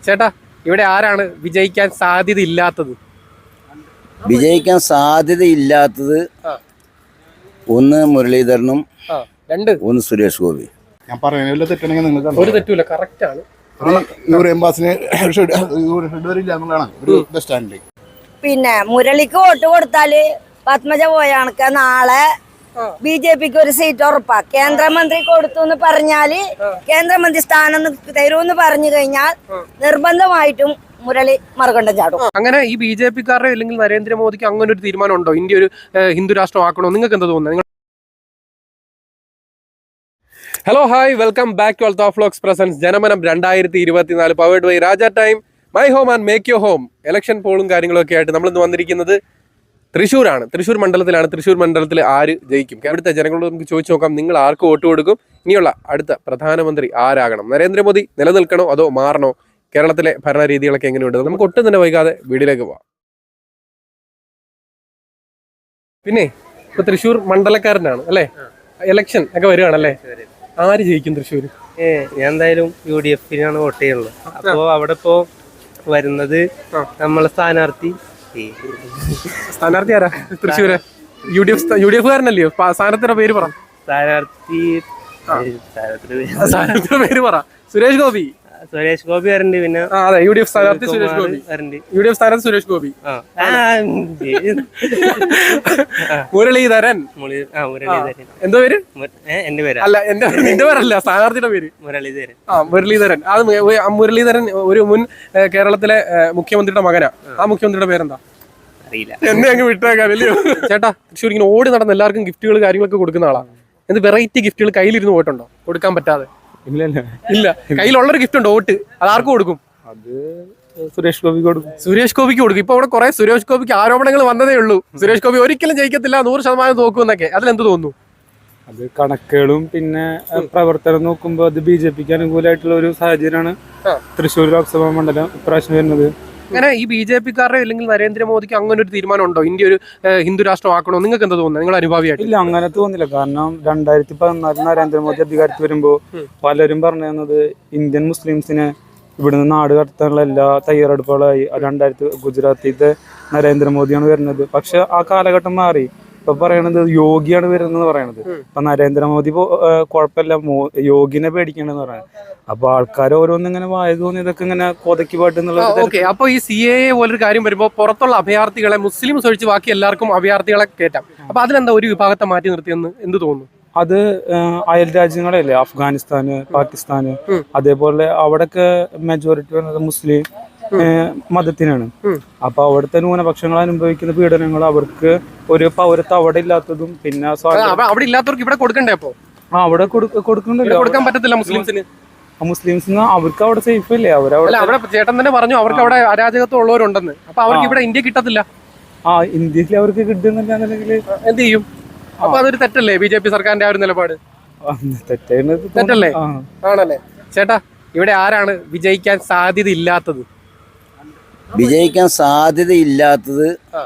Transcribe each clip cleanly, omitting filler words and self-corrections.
ചേട്ടാ, ഇവിടെ ആരാണ് വിജയിക്കാൻ സാധ്യതയില്ലാത്തത്? വിജയിക്കാൻ സാധ്യതയില്ലാത്തത് ഒന്ന് മുരളീധരനും ഒന്ന് സുരേഷ് ഗോപി. ഞാൻ പറയുന്നതിൽ തെറ്റണെങ്കിൽ നിങ്ങൾക്ക് ഒരു തെറ്റുമില്ല, കറക്റ്റ് ആണ്. പിന്നെ മുരളിക്ക് വോട്ട് കൊടുത്താല് പത്മജ പോയ കണക്ക് നാളെ ബി.ജെ.പിക്ക് ഒരു സീറ്റ് ഉറപ്പാ. കേന്ദ്രമന്ത്രി കൊടുത്തു എന്ന് പറഞ്ഞാല് കേന്ദ്രമന്ത്രി സ്ഥാനം തരൂന്ന് പറഞ്ഞു കഴിഞ്ഞാൽ നിർബന്ധമായിട്ടും മുരളി മറുകണ്ഠം ചാടും. അങ്ങനെ ഈ ബി.ജെ.പിക്കാരുടെ അല്ലെങ്കിൽ നരേന്ദ്രമോദിക്ക് അങ്ങനെ ഒരു തീരുമാനം ഉണ്ടോ? ഇന്ത്യ ഒരു ഹിന്ദു രാഷ്ട്രമാക്കണോ? നിങ്ങൾക്ക് എന്താ തോന്നുന്നത്? Hello, hi, welcome back to Althaf vlogs presents Janamanam 2024 powered by Raja time, my home and make your home. Election പോളും കാര്യങ്ങളൊക്കെ ആയിട്ട് നമ്മളിന്ന് വന്നിരിക്കുന്നത് തൃശ്ശൂരാണ്. തൃശ്ശൂർ മണ്ഡലത്തിലാണ്. തൃശ്ശൂർ മണ്ഡലത്തിൽ ആര് ജയിക്കും? അവിടുത്തെ ജനങ്ങളോട് നമുക്ക് ചോദിച്ചു നോക്കാം, നിങ്ങൾ ആർക്ക് വോട്ട് കൊടുക്കും? ഇനിയുള്ള അടുത്ത പ്രധാനമന്ത്രി ആരാകണം? നരേന്ദ്രമോദി നിലനിൽക്കണോ അതോ മാറണോ? കേരളത്തിലെ ഭരണരീതികളൊക്കെ എങ്ങനെയുണ്ട്? നമുക്ക് ഒട്ടും തന്നെ വൈകാതെ വീഡിയോയിലേക്ക് പോവാം. പിന്നെ ഇപ്പൊ തൃശ്ശൂർ മണ്ഡലക്കാരനാണ് അല്ലേ? ഇലക്ഷൻ ഒക്കെ വരുവാണല്ലേ? ആര് ജയിക്കും തൃശ്ശൂർ? ഞാൻ എന്തായാലും UDF-നാണ് വോട്ട് ചെയ്യുള്ളത്. അപ്പോ അവിടെ ഇപ്പോ വരുന്നത് നമ്മളെ സ്ഥാനാർത്ഥി ആരാ? തൃശ്ശൂര് UDF കാരനല്ലയോ? സ്ഥാനാർത്ഥിയുടെ പേര് പറ. സ്ഥാനാർത്ഥിയുടെ പേര് പറ. സുരേഷ് ഗോപി വരണ്ട്. പിന്നെ അതെ, UDF സ്ഥാനാർത്ഥി സുരേഷ് ഗോപി. UDF സ്ഥാനാർത്ഥി സുരേഷ് ഗോപി. മുരളീധരൻ. എന്തോ പേര്? എന്റെ പേര് അല്ല, എന്റെ പേരല്ല, സ്ഥാനാർത്ഥിയുടെ പേര് മുരളീധരൻ. മുരളീധരൻ. അത് മുരളീധരൻ ഒരു മുൻ കേരളത്തിലെ മുഖ്യമന്ത്രിയുടെ മകനാ. ആ മുഖ്യമന്ത്രിയുടെ പേരെന്താ? അറിയില്ല. എന്നെ അങ്ങ് വിട്ടേക്കാല്ലയോ? ചേട്ടാ, തൃശ്ശൂർ ഇങ്ങനെ ഓടി നടന്ന് എല്ലാവർക്കും ഗിഫ്റ്റുകൾ കാര്യങ്ങളൊക്കെ കൊടുക്കുന്ന ആളാ. എന്ത് വെറൈറ്റി ഗിഫ്റ്റുകൾ കയ്യിലിരുന്ന് പോയിട്ടുണ്ടോ കൊടുക്കാൻ പറ്റാതെ? ഇല്ല. കയ്യിലുള്ളൊരു ഗിഫ്റ്റ് ഉണ്ട്, വോട്ട്. അത് ആർക്ക് കൊടുക്കും? അത് സുരേഷ് ഗോപിക്ക് കൊടുക്കും. സുരേഷ് ഗോപിക്ക് കൊടുക്കും. ഇപ്പൊ അവിടെ കുറെ സുരേഷ് ഗോപിക്ക് ആരോപണങ്ങൾ വന്നതേ ഉള്ളൂ. സുരേഷ് ഗോപി ഒരിക്കലും ജയിക്കത്തില്ല, 100% തോക്കുമെന്നൊക്കെ. അതിലെന്ത് തോന്നുന്നു? അത് കണക്കുകളും പിന്നെ പ്രവർത്തനം നോക്കുമ്പോൾ അത് BJPക്ക് അനുകൂലമായിട്ടുള്ള ഒരു സാഹചര്യമാണ് തൃശ്ശൂർ ലോക്സഭാ മണ്ഡലം ഇപ്രാവശ്യം വരുന്നത്. അങ്ങനെ ഈ BJPക്കാരുടെ അല്ലെങ്കിൽ നരേന്ദ്രമോദിക്ക് അങ്ങനെ ഒരു തീരുമാനം ഉണ്ടോ? ഇന്ത്യ ഒരു ഹിന്ദു രാഷ്ട്രമാക്കണോ? നിങ്ങൾക്ക് എന്താ തോന്നുന്നത്? നിങ്ങൾ അനുഭാവിയായിട്ട്? ഇല്ല, അങ്ങനെ തോന്നില്ല. കാരണം 2014 നരേന്ദ്രമോദി അധികാരത്തിൽ വരുമ്പോൾ പലരും പറഞ്ഞു തന്നത് ഇന്ത്യൻ മുസ്ലിംസിനെ ഇവിടുന്ന് നാട് കടത്താനുള്ള എല്ലാ തയ്യാറെടുപ്പുകളായി. 2000 ഗുജറാത്തിത്തെ നരേന്ദ്രമോദിയാണ് വരുന്നത്. പക്ഷെ ആ കാലഘട്ടം മാറി. ഇപ്പൊ പറയണത് യോഗിയാണ് വരുന്നത് പറയണത്. ഇപ്പൊ നരേന്ദ്രമോദി കുഴപ്പമില്ല, യോഗിനെ പേടിക്കണെന്ന് പറയുന്നത്. അപ്പൊ ആൾക്കാർ ഓരോന്നിങ്ങനെ വായ തോന്നിയതൊക്കെ ഇങ്ങനെ കൊതക്കി പാട്ടുന്നുള്ളത്. അപ്പൊ ഈ CAA പോലൊരു കാര്യം വരുമ്പോ പുറത്തുള്ള അഭയാർത്ഥികളെ മുസ്ലിംസ് ഒഴിച്ച് ബാക്കി എല്ലാവർക്കും അഭയാർത്ഥികളെ കയറ്റാം. അപ്പൊ അതിലെന്താ ഒരു വിഭാഗത്തെ മാറ്റി നിർത്തിയെന്ന് എന്ത് തോന്നുന്നു? അത് അയൽ രാജ്യങ്ങളല്ലേ, അഫ്ഗാനിസ്ഥാന്, പാകിസ്ഥാന്, അതേപോലെ അവിടെയൊക്കെ മെജോറിറ്റി വരുന്നത് മുസ്ലിം മതത്തിനാണ്. അപ്പൊ അവിടുത്തെ ന്യൂനപക്ഷങ്ങൾ അനുഭവിക്കുന്ന പീഡനങ്ങൾ, അവർക്ക് ഒരു പൗരത്വം അവിടെ ഇല്ലാത്തതും പിന്നെ അവിടെ ഇല്ലാത്തവർക്ക് ഇവിടെ കൊടുക്കണ്ടേ? അപ്പൊ അവിടെ കൊടുക്കണ്ടല്ലോ, കൊടുക്കാൻ പറ്റത്തില്ല മുസ്ലിംസിന്. മുസ്ലിംസിന് അവർക്ക് അവിടെ സേഫ് അല്ലേ? അവിടെ ചേട്ടൻ തന്നെ പറഞ്ഞു അവർക്ക് അവിടെ അരാജകത്വം ഉള്ളവരുണ്ടെന്ന്. അപ്പൊ അവർക്ക് ഇവിടെ ഇന്ത്യ കിട്ടത്തില്ല. ഇന്ത്യയിൽ അവർക്ക് കിട്ടുന്നില്ല. എന്ത് ചെയ്യും? അപ്പൊ അതൊരു തെറ്റല്ലേ BJP സർക്കാരിന്റെ ആ ഒരു നിലപാട്? തെറ്റല്ലേ? ആണല്ലേ? ചേട്ടാ, ഇവിടെ ആരാണ് വിജയിക്കാൻ സാധ്യതയില്ലാത്തത്? വിജയിക്കാൻ സാധ്യതയില്ലാത്തത്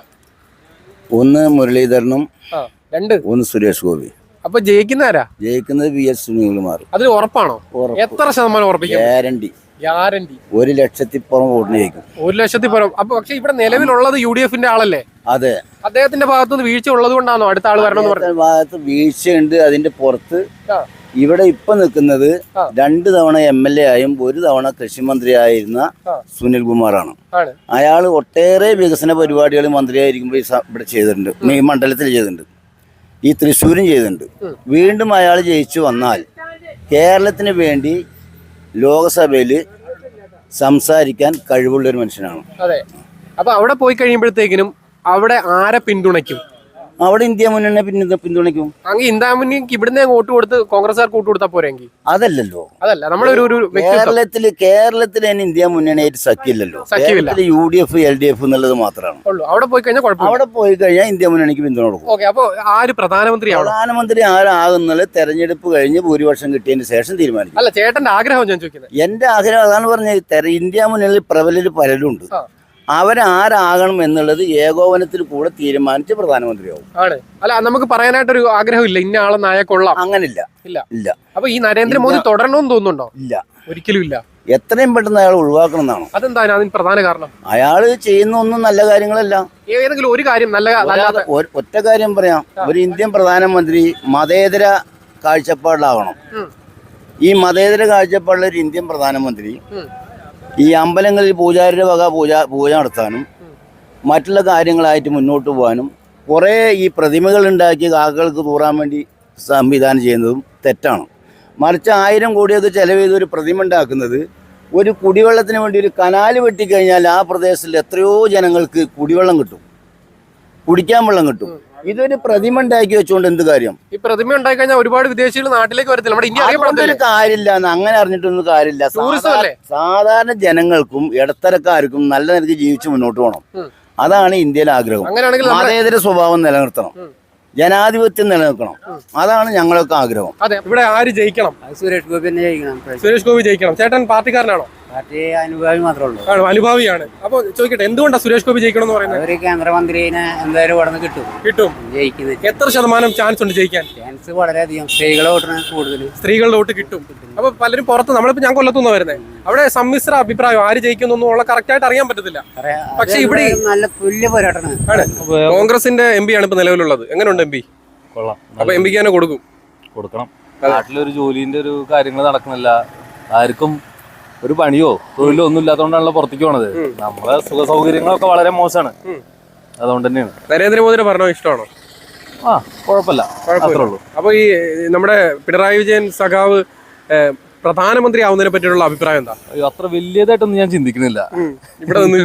ഒന്ന് മുരളീധരനും ഒന്ന് സുരേഷ് ഗോപി. അപ്പൊ ജയിക്കുന്നവരാ? ജയിക്കുന്നത് VS സുനിൽകുമാർ. അതിൽ ഉറപ്പാണോ? എത്ര ശതമാനം ഉറപ്പിക്കും? ഗ്യാരണ്ടി. 1,00,000 പുറം ജയിക്കും. 1,00,000. അപ്പൊ പക്ഷെ ഇവിടെ നിലവിലുള്ളത് UDF-ന്റെ ആളല്ലേ? അതെ. അദ്ദേഹത്തിന്റെ ഭാഗത്തുനിന്ന് വീഴ്ച ഉള്ളത് കൊണ്ടാണോ അടുത്ത ആള് വരണമെന്ന് പറഞ്ഞത്? ഭാഗത്ത് വീഴ്ചയുണ്ട്. അതിന്റെ പുറത്ത് ഇവിടെ ഇപ്പൊ നിൽക്കുന്നത് 2 തവണ MLA ആയും 1 തവണ കൃഷിമന്ത്രിയായിരുന്ന സുനിൽകുമാറാണ്. അയാൾ ഒട്ടേറെ വികസന പരിപാടികൾ മന്ത്രിയായിരിക്കുമ്പോൾ ഇവിടെ ചെയ്തിട്ടുണ്ട്, ഈ മണ്ഡലത്തിൽ ചെയ്തിട്ടുണ്ട്, ഈ തൃശ്ശൂരും ചെയ്തിട്ടുണ്ട്. വീണ്ടും അയാൾ ജയിച്ചു വന്നാൽ കേരളത്തിന് വേണ്ടി ലോകസഭയിൽ സംസാരിക്കാൻ കഴിവുള്ള ഒരു മനുഷ്യനാണ്. അതെ. അപ്പൊ അവിടെ പോയി കഴിയുമ്പോഴത്തേക്കിനും അവിടെ ആരെ പിന്തുണയ്ക്കും? അവിടെ ഇന്ത്യ മുന്നണിയെ പിന്തുണയ്ക്കും. അങ്ങനെ ഇന്ത്യ മുന്നണിക്ക് ഇവിടുന്ന് വോട്ട് കൊടുത്ത് കോൺഗ്രസ്സുകാർക്ക് വോട്ട് കൊടുത്താൽ പോരെങ്കിൽ? അതല്ലല്ലോ. അതല്ല, നമ്മളൊരു കേരളത്തിൽ തന്നെ ഇന്ത്യ മുന്നണിയായിട്ട് സഖ്യമില്ലല്ലോ. UDF LDF എന്നുള്ളത് മാത്രമാണ്. അവിടെ പോയി കഴിഞ്ഞാൽ ഇന്ത്യ മുന്നണിക്ക് പിന്തുണ കൊടുക്കും. അപ്പൊ ആര് പ്രധാനമന്ത്രി ആരാകുന്നത് തെരഞ്ഞെടുപ്പ് കഴിഞ്ഞ് ഭൂരിപക്ഷം കിട്ടിയതിന് ശേഷം തീരുമാനിക്കും. അല്ല, ചേട്ടന്റെ ആഗ്രഹം ഞാൻ ചോദിക്കുന്നത്. എന്റെ ആഗ്രഹം അതാണ് പറഞ്ഞത്. ഇന്ത്യ മുന്നണിയിൽ പ്രബലര് പലരുണ്ട്. അവരാരാകണം എന്നുള്ളത് ഏകോപനത്തിൽ കൂടെ തീരുമാനിച്ച് പ്രധാനമന്ത്രിയാവും. ആണ്. അല്ല, നമുക്ക് പറയാനായിട്ടൊരു ആഗ്രഹമില്ല ഇന്ന ആളെ നായ കൊള്ളാം, അങ്ങനില്ല. ഇല്ല. അപ്പൊ ഈ നരേന്ദ്രമോദി തുടരണമെന്ന് തോന്നുന്നുണ്ടോ? ഇല്ല, ഒരിക്കലും ഇല്ല. എത്രയും പെട്ടെന്ന് അയാൾ ഒഴിവാക്കണം എന്നാണ്. അതെന്താണ് അതിന് പ്രധാന കാരണം? അയാൾ ചെയ്യുന്ന ഒന്നും നല്ല കാര്യങ്ങളല്ല. ഏതെങ്കിലും ഒരു കാര്യം ഒറ്റ കാര്യം പറയാം, ഒരു ഇന്ത്യൻ പ്രധാനമന്ത്രി മതേതര കാഴ്ചപ്പാടിലാവണം. ഈ മതേതര കാഴ്ചപ്പാടിലെ ഒരു ഇന്ത്യൻ പ്രധാനമന്ത്രി ഈ അമ്പലങ്ങളിൽ പൂജാരിയുടെ വക പൂജ നടത്താനും മറ്റുള്ള കാര്യങ്ങളായിട്ട് മുന്നോട്ട് പോകാനും കുറേ ഈ പ്രതിമകൾ ഉണ്ടാക്കി കാക്കകൾക്ക് തൂറാൻ വേണ്ടി സംവിധാനം ചെയ്യുന്നതും തെറ്റാണ്. മറിച്ച് 1000 കോടിയൊക്കെ ചെലവ് ചെയ്ത് ഒരു പ്രതിമ ഉണ്ടാക്കുന്നത് ഒരു കുടിവെള്ളത്തിന് വേണ്ടി ഒരു കനാല് വെട്ടിക്കഴിഞ്ഞാൽ ആ പ്രദേശത്തിൽ എത്രയോ ജനങ്ങൾക്ക് കുടിവെള്ളം കിട്ടും, കുടിക്കാൻ വെള്ളം കിട്ടും. ഇതൊരു പ്രതിമ ഉണ്ടാക്കി വെച്ചുകൊണ്ട് എന്ത് കാര്യം? ഈ പ്രതിമ ഉണ്ടായി കഴിഞ്ഞാൽ ഒരുപാട് വിദേശികൾ നാട്ടിലേക്ക് വരത്തില്ല, നമ്മുടെ ഇന്ത്യ അറിയപ്പെടുന്ന കാര്യമില്ല. അങ്ങനെ അറിഞ്ഞിട്ടൊന്നും കാര്യമില്ല. സാധാരണ ജനങ്ങൾക്കും ഇടത്തരക്കാർക്കും നല്ല നിലയ്ക്ക് ജീവിച്ച് മുന്നോട്ട് പോകണം. അതാണ് ഇന്ത്യയിലെ ആഗ്രഹം. മതേതര സ്വഭാവം നിലനിർത്തണം, ജനാധിപത്യം നിലനിൽക്കണം. അതാണ് ഞങ്ങളൊക്കെ ആഗ്രഹം. അതെ, ഇവിടെ ആര് ജയിക്കണം? സുരേഷ് ഗോപി തന്നെ ജയിക്കണം. സുരേഷ് ഗോപി ജയിക്കണം. ചേട്ടൻ പാർട്ടിക്കാരനാണോ? പാർട്ടി അനുഭാവി മാത്രമേ ഉള്ളൂ. ആണ്, അനുഭാവിയാണ്. അപ്പൊ ചോദിക്കട്ടെ, എന്തുകൊണ്ടാണ് സുരേഷ് ഗോപി ജയിക്കണം എന്ന് പറയുന്നത്? ഒരു കേന്ദ്രമന്ത്രിനെ എന്തായാലും ഇവിടെ നിന്ന് കിട്ടും. ജയിക്കുന്നത് എത്ര ശതമാനം ചാൻസ് ഉണ്ട് ജയിക്കാൻ? ചാൻസ് വളരെയധികം. സ്ത്രീകളെ വോട്ടാണ് കൂടുതൽ. സ്ത്രീകളുടെ വോട്ട് കിട്ടും. അപ്പൊ പലരും പുറത്ത്, നമ്മളിപ്പോ ഞാൻ കൊല്ലത്തുനിന്ന് വരുന്നത്, അവിടെ സമ്മിശ്ര അഭിപ്രായം, ആര് ജയിക്കുന്നൊന്നും ഉള്ള കറക്റ്റ് ആയിട്ട് അറിയാൻ പറ്റത്തില്ല. പക്ഷെ ഇവിടെ നല്ല തുല്യ പോരാട്ടമാണ്. കോൺഗ്രസിന്റെ എം പി ആണ് ഇപ്പൊ നിലവിലുള്ളത്. എങ്ങനെയുണ്ട് എം പി? കൊള്ളാം. അപ്പൊ എം പിക്ക് തന്നെ കൊടുക്കണം. നാട്ടിലൊരു ജോലിന്റെ ഒരു കാര്യങ്ങൾ നടക്കുന്നില്ല. ആർക്കും ഒരു പണിയോ തൊഴിലോ ഒന്നും ഇല്ലാത്തതുകൊണ്ടാണല്ലോ പുറത്തേക്ക് പോണത്. നമ്മളെ സുഖ സൗകര്യങ്ങളൊക്കെ വളരെ മോശമാണ്. അതുകൊണ്ട് തന്നെയാണ്. നരേന്ദ്രമോദിയുടെ ഭരണം ഇഷ്ടമാണോ? ആ, കുഴപ്പമില്ല, അത്രേ ഉള്ളൂ. അപ്പൊ ഈ നമ്മുടെ പിണറായി വിജയൻ സഖാവ് പ്രധാനമന്ത്രി ആവുന്നതിനെ പറ്റിയുള്ള അഭിപ്രായം എന്താ? അത്ര വലിയതായിട്ടൊന്നും ഞാൻ ചിന്തിക്കുന്നില്ല. ഇവിടെ നിന്ന്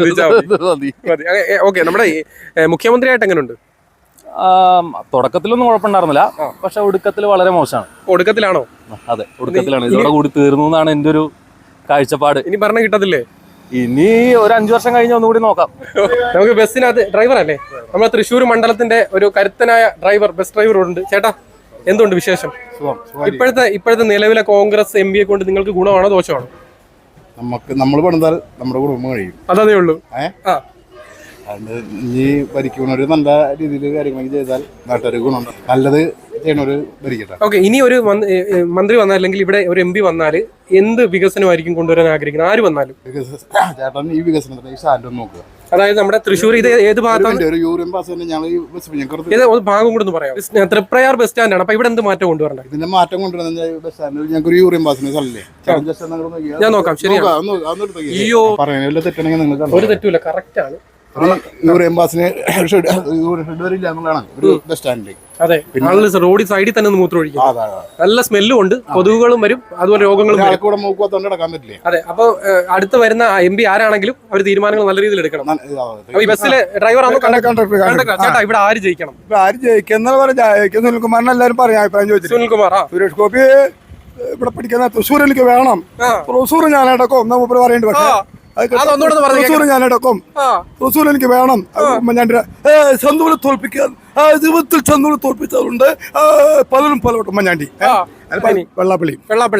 ഓക്കെ. നമ്മുടെ മുഖ്യമന്ത്രിയായിട്ട് എങ്ങനെയുണ്ട്? തുടക്കത്തിലൊന്നും കുഴപ്പമുണ്ടായിരുന്നില്ല, പക്ഷെ ഒടുക്കത്തിൽ വളരെ മോശമാണ്. ഒടുക്കത്തിലാണോ? അതെ, ഒടുക്കത്തിലാണ്. ഇതോടെ കൂടി തീർന്നു എന്നാണ് എന്റെ ഒരു കാഴ്ചപ്പാട്. ഇനി ഭരണം കിട്ടത്തില്ലേ? ഇനി ഒരു 5 വർഷം കഴിഞ്ഞ് ഒന്നുകൂടി നോക്കാം. നമുക്ക് ബസ്സിനകത്ത് ഡ്രൈവർ അല്ലേ, നമ്മുടെ തൃശ്ശൂർ മണ്ഡലത്തിന്റെ ഒരു കരുത്തനായ ബസ് ഡ്രൈവർ ഉണ്ട്. ചേട്ടാ, എന്തുകൊണ്ട് വിശേഷം? ഇപ്പോഴത്തെ നിലവിലെ കോൺഗ്രസ് എം പിയെ കൊണ്ട് നിങ്ങൾക്ക് ഗുണമാണോ ദോഷമാണോ? നമ്മൾ പണിതാൽ നമ്മുടെ കുടുംബം കഴിയും. അതേ ഉള്ളൂ. അതുകൊണ്ട് ഇനി ഭരിക്കുന്നവര് നല്ല രീതിയിൽ കാര്യങ്ങളൊക്കെ ചെയ്താൽ നാട്ടുകാർ ഗുണം, നല്ലത് ചെയ്യണവര് ഭരിക്കട്ടെ. ഓക്കെ, ഇനി ഒരു മന്ത്രി വന്നാൽ, അല്ലെങ്കിൽ ഇവിടെ ഒരു എം പി വന്നാൽ എന്ത് വികസനമായിരിക്കും കൊണ്ടുവരാൻ ആഗ്രഹിക്കുന്നത്? ആര് വന്നാലും ചേട്ടൻ ഈ വികസനത്തിന് ഈ സ്റ്റാൻഡ് നോക്കുക. അതായത് നമ്മുടെ തൃശ്ശൂർ ഇത് ഏത് ഭാഗത്താണ്? ഒരു യൂറിയൻ പാസ് തന്നെ ഞങ്ങൾ ഭാഗം കൂടെ ഒന്ന് പറയാം. തൃപ്രയാർ ബസ് സ്റ്റാൻഡാണ്. അപ്പൊ ഇവിടെ എന്ത് മാറ്റം കൊണ്ടുവരണ്ട? ഇതിന്റെ മാറ്റം കൊണ്ടുവരുന്ന ബസ് സ്റ്റാൻഡിൽ ഞങ്ങൾക്ക് ഒരു യൂറിയൻ പാസിന് സ്ഥലല്ലേ. ഞാൻ നോക്കാം. ശരിയാണ്. അയ്യോ, പറയുന്നത് തെറ്റണെങ്കിൽ നിങ്ങൾ ഒരു തെറ്റുമില്ല, കറക്റ്റ് ആണ്. യൂറിയൻ പാസിന് ഷെഡ് വരില്ല എന്നുള്ളതാണ് ഒരു ബസ് സ്റ്റാൻഡിൽ. അതെ, റോഡ് സൈഡിൽ തന്നെ മൂത്രം ഒഴിക്കും. നല്ല സ്മെല്ലും ഉണ്ട്, കൊതുകുകളും വരും, അതുപോലെ രോഗങ്ങളും നടക്കാൻ പറ്റില്ലേ. അതെ, അപ്പൊ അടുത്ത് വരുന്ന എം പി ആരാണെങ്കിലും അവർ തീരുമാനങ്ങൾ നല്ല രീതിയിൽ എടുക്കണം. അപ്പൊ ഈ ബസ്സിലെ ഡ്രൈവർ ചേട്ടാ, ഇവിടെ ആര് ജയിക്കണം? ആര് ജയിക്കുന്ന സുനിൽകുമാറിന് എല്ലാവരും പറയാം അഭിപ്രായം ചോദിച്ചു. സുനിൽകുമാർ. സുരേഷ് ഗോപി ഇവിടെ പഠിക്കുന്ന തൃശ്ശൂർ എനിക്ക് വേണം. തൃശ്ശൂർ ഞാനടക്കം നമ്മൾ പറയേണ്ടി. പക്ഷേ തൃശ്ശൂർ ഞാനടക്കം തൃശ്ശൂർ എനിക്ക് വേണം. ചന്ദൂരെ തോൽപ്പിക്കാൻ ജീവിതത്തിൽ ചന്ദൂരെ തോൽപ്പിച്ചതുണ്ട് പലരും പലവട്ടം. ഉമ്മൻചാണ്ടി, വെള്ളാപ്പള്ളി.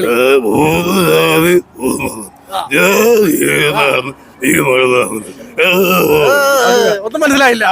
ഒന്നും മനസ്സിലായില്ല.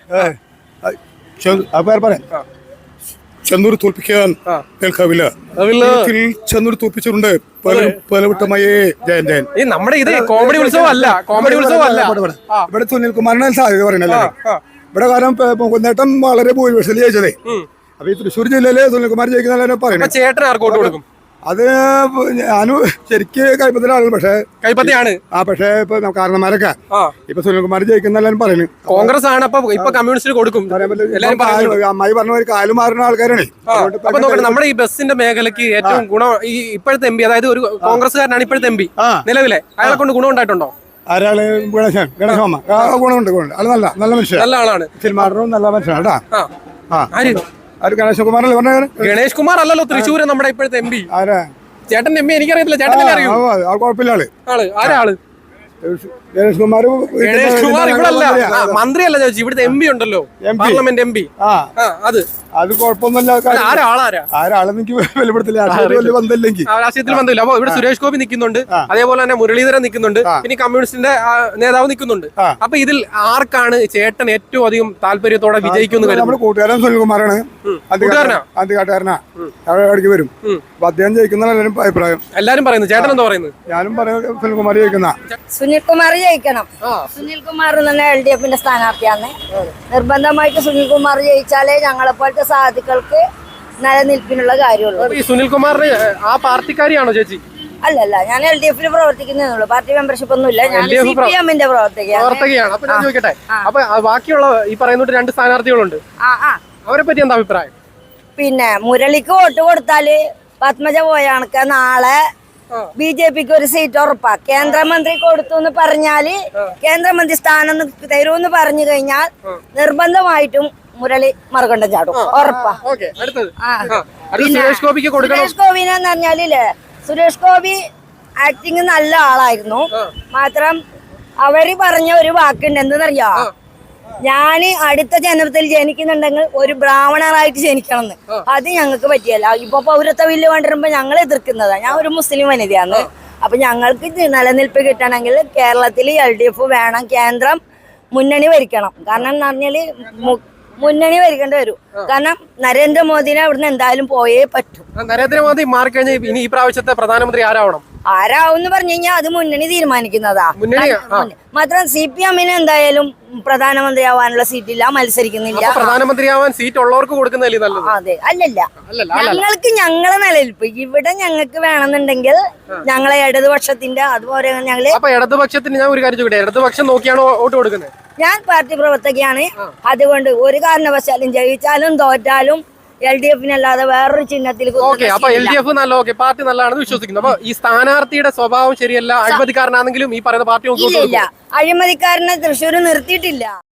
പറയാം, ചന്ദൂർ തോൽപ്പിക്കാൻ കേൾക്കാവില്ല. ചന്ദൂർ തോൽപ്പിച്ചിട്ടുണ്ട് പലവട്ടമായി. ജയൻ ജയൻ. നമ്മുടെ ഇത് കോമഡി ഉത്സവമല്ല, കോമഡി ഉത്സവമല്ല. ഇവിടെ സുനിൽകുമാറിന് സാധ്യത പറയുന്നല്ലേ. ഇവിടെ കാരണം നേട്ടം വളരെ ഭൂരിപക്ഷത്തിൽ ജയിച്ചതേ. അപ്പൊ ഈ തൃശ്ശൂർ ജില്ലയില് സുനിൽകുമാർ ജയിക്കുന്ന പറയുന്നത്. ചേട്ടൻ ആർക്ക് വോട്ട് കൊടുക്കും? അത് ഞാനും ശരിക്ക് കൈപ്പത്തിലെ ആളുകൾ, പക്ഷേ കൈപ്പത്തിയാണ്. പക്ഷേ ഇപ്പൊ കാരണന്മാരൊക്കെ ഇപ്പൊ സുനിൽകുമാർ ജയിക്കുന്ന എല്ലാവരും പറയുന്നു. കോൺഗ്രസ് ആണ്. അപ്പൊ ഇപ്പൊ കമ്മ്യൂണിസ്റ്റ് കൊടുക്കും. അമ്മായി പറഞ്ഞ ഒരു കാല് മാറുന്ന ആൾക്കാരാണ്. നമ്മുടെ ഈ ബസ്സിന്റെ മേഖലയ്ക്ക് ഏറ്റവും ഗുണം ഈ ഇപ്പോഴത്തെ എം പി, അതായത് ഒരു കോൺഗ്രസ്സുകാരനാണ് ഇപ്പോഴത്തെ എം പി നിലവിലെ, അയാളെ കൊണ്ട് ഗുണം ഉണ്ടായിട്ടുണ്ടോ? ആരാള്? ഗണേശമാമ. ഗുണമുണ്ട്. നല്ല നല്ല മനുഷ്യൻ, നല്ല ആളാണ്. സിനിമാടനും നല്ല മനുഷ്യനാണ് കേട്ടാ. ഗണേഷ് കുമാറല്ലേ പറഞ്ഞ? ഗണേഷ് കുമാർ അല്ലല്ലോ തൃശ്ശൂര് നമ്മുടെ ഇപ്പോഴത്തെ എം പി. ആരാ? ചേട്ടൻ എം പി എനിക്കറിയത്തില്ല. ചേട്ടൻ അറിയോ? കുഴപ്പമില്ല. ആള് ആരാള്? ഗണേഷ് കുമാർ ഗണേഷ് കുമാർ ഇവിടെ അല്ല, മന്ത്രിയല്ല ചോദിച്ചു, ഇവിടുത്തെ എം പി ഉണ്ടല്ലോ, പാർലമെന്റ് എം പി. അത് കുഴപ്പമൊന്നുമില്ല. ആരാളെന്ന് എനിക്ക് വെളിപ്പെടുത്തില്ല, വലിയ ബന്ധമില്ലെങ്കിൽ രാഷ്ട്രീയത്തിൽ ബന്ധമില്ല. അപ്പൊ ഇവിടെ സുരേഷ് ഗോപി നിൽക്കുന്നുണ്ട്, അതേപോലെ തന്നെ മുരളീധരൻ നിൽക്കുന്നുണ്ട്, പിന്നെ കമ്മ്യൂണിസ്റ്റിന്റെ നേതാവ് നിൽക്കുന്നുണ്ട്. അപ്പൊ ഇതിൽ ആർക്കാണ് ചേട്ടൻ ഏറ്റവും അധികം താല്പര്യത്തോടെ വിജയിക്കുന്നു? നമ്മുടെ കൂട്ടുകാരൻ സുനിൽകുമാറാണ്, അധികാരനാ, ഇടയ്ക്ക് വരും. അപ്പൊ അദ്ദേഹം ജയിക്കുന്ന എല്ലാവരും അഭിപ്രായം. എല്ലാരും പറയുന്നു. ചേട്ടൻ എന്താ പറയുന്നത്? ഞാനും പറയുന്നത് സുനിൽകുമാർ ജയിക്കുന്ന. സുനിൽകുമാർ ജയിക്കണം. സുനിൽകുമാർ തന്നെ LDF-ന്റെ സ്ഥാനാർത്ഥിയാണ്. നിർബന്ധമായിട്ട് സുനിൽകുമാർ ജയിച്ചാലേ ഞങ്ങളെ പോലത്തെ സാധുക്കൾക്ക് നിലനിൽപ്പിനുള്ള കാര്യമുള്ളൂ. ഈ സുനിൽകുമാറിന് ആ പാർട്ടിക്കാരിയാണോ ചേച്ചി? അല്ലല്ല, ഞാൻ LDF-ൽ പ്രവർത്തിക്കുന്നേ. പാർട്ടി മെമ്പർഷിപ്പ് ഒന്നുമില്ല. ഞാൻ CPM-ന്റെ പ്രവർത്തകയാണ്. അപ്പൊ ഞാൻ ചോദിക്കട്ടെ, അപ്പൊ ബാക്കിയുള്ള ഈ പറയുന്ന 2 സ്ഥാനാർത്ഥികളുണ്ട്, അവരെ പറ്റി എന്താ അഭിപ്രായം? പിന്നെ മുരളിക്ക് വോട്ട് കൊടുത്താല് പത്മജ പോയ കണക്ക് നാളെ BJPക്ക് ഒരു സീറ്റ് ഉറപ്പാ. കേന്ദ്രമന്ത്രി കൊടുത്തു എന്ന് പറഞ്ഞാല് കേന്ദ്രമന്ത്രി സ്ഥാനം തരൂന്ന് പറഞ്ഞു കഴിഞ്ഞാൽ നിർബന്ധമായിട്ടും മുരളി മറുകണ്ഠം ചാടും, ഉറപ്പാ. സുരേഷ് ഗോപിക്ക് കൊടുക്കണം. സുരേഷ് ഗോപിനെന്ന് പറഞ്ഞാലില്ലേ, സുരേഷ് ഗോപി ആക്ടിങ് നല്ല ആളായിരുന്നു. മാത്രം അവര് പറഞ്ഞ ഒരു വാക്കുണ്ട്, എന്തെന്നറിയാ, ഞാന് അടുത്ത ജനനത്തിൽ ജനിക്കുന്നുണ്ടെങ്കിൽ ഒരു ബ്രാഹ്മണറായിട്ട് ജനിക്കണം എന്ന്. അത് ഞങ്ങൾക്ക് പറ്റിയല്ല. ഇപ്പൊ പൗരത്വ ബില്ല് കൊണ്ടുവരുമ്പോ ഞങ്ങൾ എതിർക്കുന്നതാ. ഞാൻ ഒരു മുസ്ലിം വനിതയാണ്. അപ്പൊ ഞങ്ങൾക്ക് നിലനിൽപ്പ് കിട്ടണമെങ്കിൽ കേരളത്തിൽ LDF വേണം, കേന്ദ്രം മുന്നണി ഭരിക്കണം. കാരണം എന്ന് പറഞ്ഞാല് മുന്നണി ഭരിക്കേണ്ടി വരും. കാരണം നരേന്ദ്രമോദിനെ അവിടുന്ന് എന്തായാലും പോയേ പറ്റൂ. നരേന്ദ്രമോദി മാറിക്കഴിഞ്ഞാൽ ഇനി ഈ പ്രാവശ്യത്തെ പ്രധാനമന്ത്രി ആരാവണം? ആരാവെന്ന് പറഞ്ഞു കഴിഞ്ഞാൽ അത് മുന്നണി തീരുമാനിക്കുന്നതാ. മാത്രം CPM-ന് എന്തായാലും പ്രധാനമന്ത്രിയാവാനുള്ള സീറ്റില്ല, മത്സരിക്കുന്നില്ല. പ്രധാനമന്ത്രിയാവാൻ സീറ്റ് ഉള്ളവർക്ക് കൊടുക്കുന്നതല്ലേ നല്ലത്? അതെ, അല്ലല്ല, ഞങ്ങൾക്ക് ഞങ്ങളെ നിലനിൽപ്പ് ഇവിടെ ഞങ്ങൾക്ക് വേണമെന്നുണ്ടെങ്കിൽ ഞങ്ങളെ ഇടതുപക്ഷത്തിന്റെ അതുപോലെ ഞങ്ങള്. അപ്പൊ ഇടതുപക്ഷത്തിന് ഞാൻ ഒരു കാര്യം ചോദിക്കട്ടെ, ഇടതുപക്ഷം നോക്കിയാണോ വോട്ട് കൊടുക്കുന്നത്? ഞാൻ പാർട്ടി പ്രവർത്തകയാണ്. അതുകൊണ്ട് ഒരു കാരണവശാലും ജയിച്ചാലും തോറ്റാലും LDF-നല്ലാതെ വേറൊരു ചിഹ്നത്തിൽ. അപ്പൊ LDF നല്ല, പാർട്ടി നല്ലതാണെന്ന് വിശ്വസിക്കുന്നു. അപ്പൊ ഈ സ്ഥാനാർത്ഥിയുടെ സ്വഭാവം ശരിയല്ല, അഴിമതിക്കാരനാണെങ്കിലും ഈ പറയുന്ന പാർട്ടി ഇല്ല, അഴിമതിക്കാരനെ തൃശ്ശൂർ നിർത്തിയിട്ടില്ല.